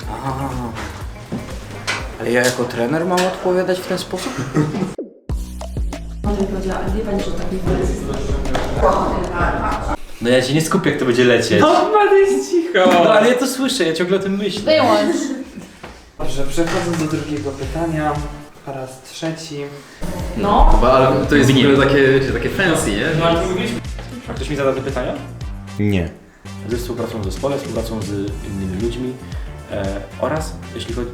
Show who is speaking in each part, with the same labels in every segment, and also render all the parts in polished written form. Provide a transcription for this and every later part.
Speaker 1: Aha. Ale ja jako trener mam odpowiadać w ten sposób?
Speaker 2: No ja się nie skupię, jak to będzie lecieć.
Speaker 3: No, jest cicho.
Speaker 2: No ale ja to słyszę, ja ciągle o tym myślę.
Speaker 4: Wyłącz.
Speaker 3: Dobrze, przechodząc do drugiego pytania. Po raz trzeci.
Speaker 4: No.
Speaker 5: Ale to jest w ogóle takie fancy, nie?
Speaker 2: A ktoś mi zada te pytania?
Speaker 1: Nie.
Speaker 2: Ze współpracą w zespole, współpracą z innymi ludźmi oraz jeśli chodzi...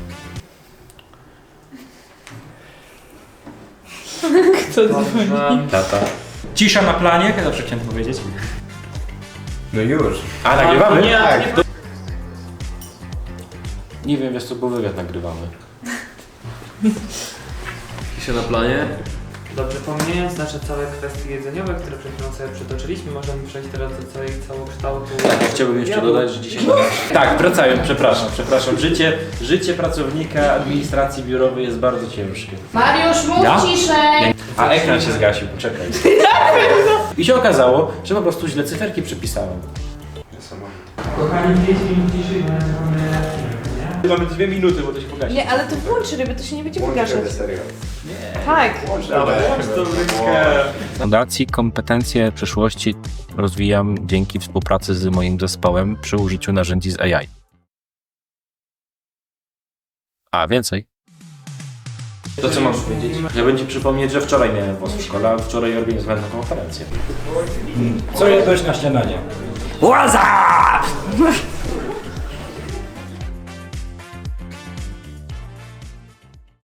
Speaker 4: Kto dzwoni?
Speaker 2: Tata. Cisza na planie, jak ja zawsze chciałem powiedzieć.
Speaker 1: No już.
Speaker 2: A, nagrywamy?
Speaker 3: Nie,
Speaker 2: Tak.
Speaker 3: nie.
Speaker 2: Nie wiem, wiesz co, bo wywiad nagrywamy.
Speaker 5: Pisze na planie.
Speaker 3: Dobrze, pomijając nasze całe kwestie jedzeniowe, które przed chwilą sobie przytoczyliśmy, możemy przejść teraz do całej całokształtu.
Speaker 2: Tak, ja chciałbym jeszcze dodać, że dzisiaj... Tak, wracając, przepraszam. Życie pracownika administracji biurowej jest bardzo ciężkie.
Speaker 4: Mariusz, mów
Speaker 2: Ja?
Speaker 4: ciszej.
Speaker 2: A ekran się zgasił, poczekaj. I się okazało, że po prostu źle cyferki przypisałem.
Speaker 3: Kochani, 5 minut ciszy, bo mamy...
Speaker 2: Mamy 2 minuty, bo to się pogasi.
Speaker 4: Nie, ale to włącz ryby, to się nie będzie wygaszać. Tak.
Speaker 2: Fundacji kompetencje przyszłości rozwijam dzięki współpracy z moim zespołem przy użyciu narzędzi z AI. A, więcej? To co mam powiedzieć? Ja bym ci przypomnieć, że wczoraj miałem WOS w szkole, a wczoraj organizowałem konferencję. Co jadłeś na śniadanie? Łaza!